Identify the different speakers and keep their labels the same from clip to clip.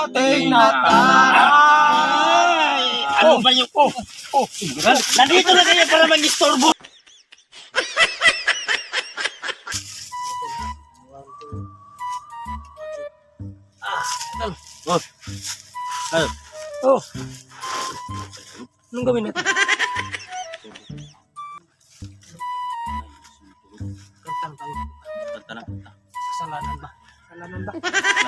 Speaker 1: ating nakaraan.
Speaker 2: Ano ba yung... Nandito na kayo para mag-istorbo.
Speaker 1: Oh. Anong gawin natin? Kantang tayo. Kasalanan ba? Kasalanan ba?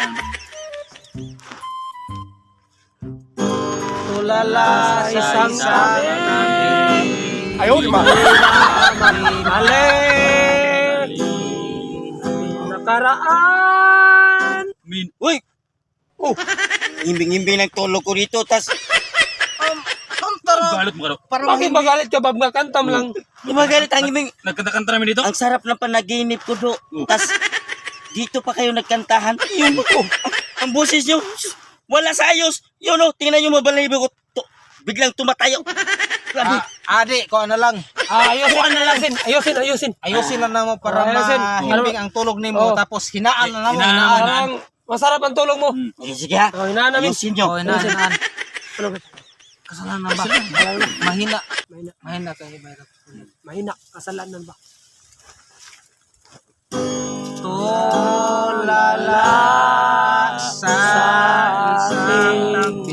Speaker 1: Tulala sa isang sabi.
Speaker 3: Ayaw, di ba?
Speaker 1: Alin nakaraan.
Speaker 2: Uy! Oh! Himbing-himbing ng tulog ko dito, tas...
Speaker 3: Galit mo ka daw.
Speaker 1: Bakit magalit ka, Bob? Kantam lang.
Speaker 2: Di magalit ang himbing...
Speaker 3: Nagkanta-kanta namin dito?
Speaker 2: Ang sarap ng panaginip ko do. Tas, dito pa kayo nagkantahan. Yun ko. Ang boses nyo, wala sa ayos. Yun o, tingnan nyo mabalahibo ko. Biglang tumatayo. Grabe.
Speaker 4: Adi, ko ano lang.
Speaker 1: Ayusin.
Speaker 4: Ayusin lang naman para
Speaker 1: Ayusin.
Speaker 4: mahimbing ang tulog nimo.
Speaker 1: Oh.
Speaker 4: Tapos hinaan na naman.
Speaker 3: Hinaan.
Speaker 1: Parang masarap ang tulog mo.
Speaker 2: Sige ha.
Speaker 1: Oh, hinaan namin.
Speaker 2: Ayusin nyo.
Speaker 4: Oh, hinaan.
Speaker 1: Ano ba?
Speaker 4: Kasalanan ba? Mahina. Mahina kayo.
Speaker 1: Mahina. Kasalanan ba?
Speaker 4: Tulala sa isang tabi.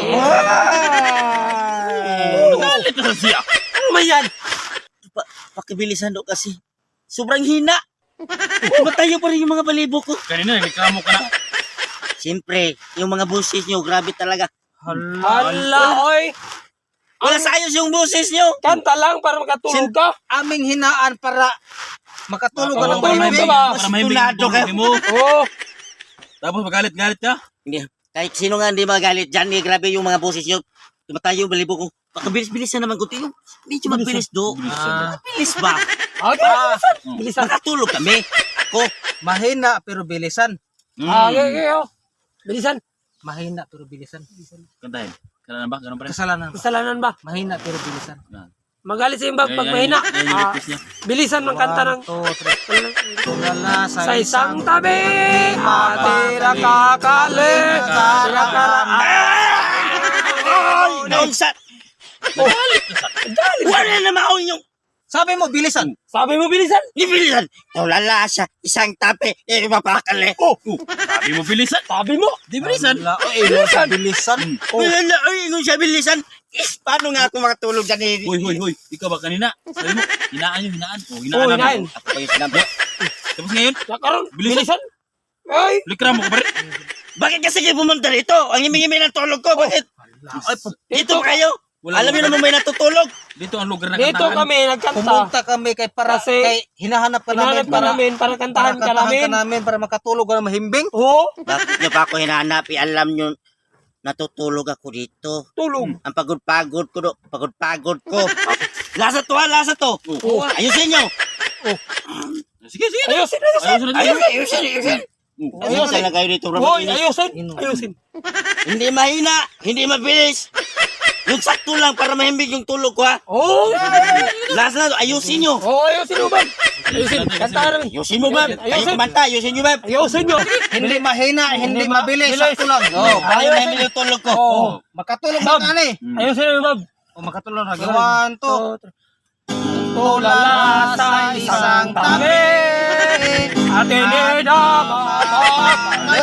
Speaker 3: Galit na siya.
Speaker 2: Ano ba yan? Pakibilisan do kasi. Sobrang hina. Tumatayo pa rin yung mga balibo ko.
Speaker 3: Kanina, reklamo ka na.
Speaker 2: Siyempre, yung mga boses nyo, grabe talaga.
Speaker 1: Hala, oy.
Speaker 2: Wala sa ayos yung boses nyo.
Speaker 1: Kanta lang para makatulog ka.
Speaker 4: Aming hinaan para makatulog ka ng
Speaker 1: Tulog ka
Speaker 4: mahimbing.
Speaker 1: ba?
Speaker 3: Para mahimbing
Speaker 2: Tunado
Speaker 3: yung
Speaker 2: kayo.
Speaker 3: tulog mo.
Speaker 1: Oo.
Speaker 3: Tapos magalit-galit ka.
Speaker 2: Hindi. Kahit sino nga hindi magalit dyan, grabe yung mga boses nyo. Tumatayo yung balibo ko. Pakabilis-bilisan naman ko. Medyo mabilis do. Bilis ba?
Speaker 1: Bilisan.
Speaker 2: Makatulog kami. Ako.
Speaker 4: Mahina pero bilisan.
Speaker 1: Okay. Bilisan.
Speaker 4: Mahina pero bilisan.
Speaker 3: Kantahin. Kailan ba? Ganun pa rin.
Speaker 4: Kasalanan ba?
Speaker 1: Kasalanan ba?
Speaker 4: Mahina pero bilisan.
Speaker 1: Magalit sa yung bag pag mahina. Bilisan ng kanta ng
Speaker 4: 1, 2, 3. Tulala
Speaker 1: sa isang tabi. Ate nakakali.
Speaker 2: Naunsa. Wala na maon yung
Speaker 4: Sabi mo bilisan.
Speaker 1: Sabi mo bilisan.
Speaker 2: ibilisan. Tulala sa isang tabi. Mapakali.
Speaker 3: Sabi mo bilisan.
Speaker 1: Sabi mo.
Speaker 3: Di bilisan.
Speaker 4: Bilisan. Bilisan.
Speaker 2: Wala na. Ay, kung siya bilisan. Paano nga ako makatulog dyan?
Speaker 3: Hoy. Ikaw ba kanina? Sabi mo, hinaan yung hinaan.
Speaker 1: Oo,
Speaker 3: Hinaan
Speaker 1: hinaan.
Speaker 3: namin.
Speaker 2: Ako pa yung sinabi.
Speaker 3: Tapos ngayon,
Speaker 1: Nakaroon.
Speaker 3: Bilisan.
Speaker 1: Bilisan. Ay.
Speaker 3: likramo ka pa rin.
Speaker 2: Bakit kasi kayo pumunta rito? Ang himing-himing ng tulog ko. Bakit? Dito kayo? Alam niyo naman may natutulog.
Speaker 3: Dito ang lugar na
Speaker 1: Dito
Speaker 3: kantahan.
Speaker 1: kami nagkanta.
Speaker 4: Pumunta kami kay para
Speaker 1: Kasi
Speaker 4: kay hinahanap ka namin
Speaker 1: Hinahanap ka namin para kantahan ka namin.
Speaker 4: para makatulog ka na mahimbing.
Speaker 1: Oo.
Speaker 2: Bakit niyo pa ako hinahanap? Alam niyo, natutulog ako dito.
Speaker 1: Tulog.
Speaker 2: Ang pagod-pagod ko. Pagod-pagod ko. Lasa to ha, lasa to. Ayusin niyo.
Speaker 3: Sige.
Speaker 1: Ayusin.
Speaker 2: Ayusin. Ayusin na kayo dito.
Speaker 1: Hoy, ayusin.
Speaker 2: Hindi mahina, hindi mabilis. Yung sakto lang para mahimbing yung tulog ko ha.
Speaker 1: Oo.
Speaker 2: Lasa na to, ayusin nyo.
Speaker 1: Oo, ayusin mo ba? Ayusin. Kantahan namin.
Speaker 2: Ayusin mo ba? Kayo
Speaker 1: Ayusin.
Speaker 2: kumanta, ayusin nyo ba?
Speaker 1: Ayusin nyo.
Speaker 4: Hindi mahina, hindi mabilis, sakto lang.
Speaker 2: Oo, para mahimbing yung tulog ko.
Speaker 4: Oh, makatulog
Speaker 1: Bob.
Speaker 4: ka ni.
Speaker 1: Ayusin mo, Bob.
Speaker 4: Oh, makatulog na. 1, 2.
Speaker 1: Tulala sa isang tabi. Ating nidamapapali.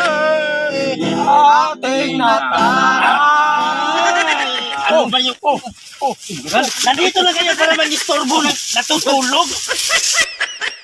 Speaker 1: Ating nakaraan.
Speaker 2: Ano ba yung... Nandito na kayo para mag-istorbo na natutulog.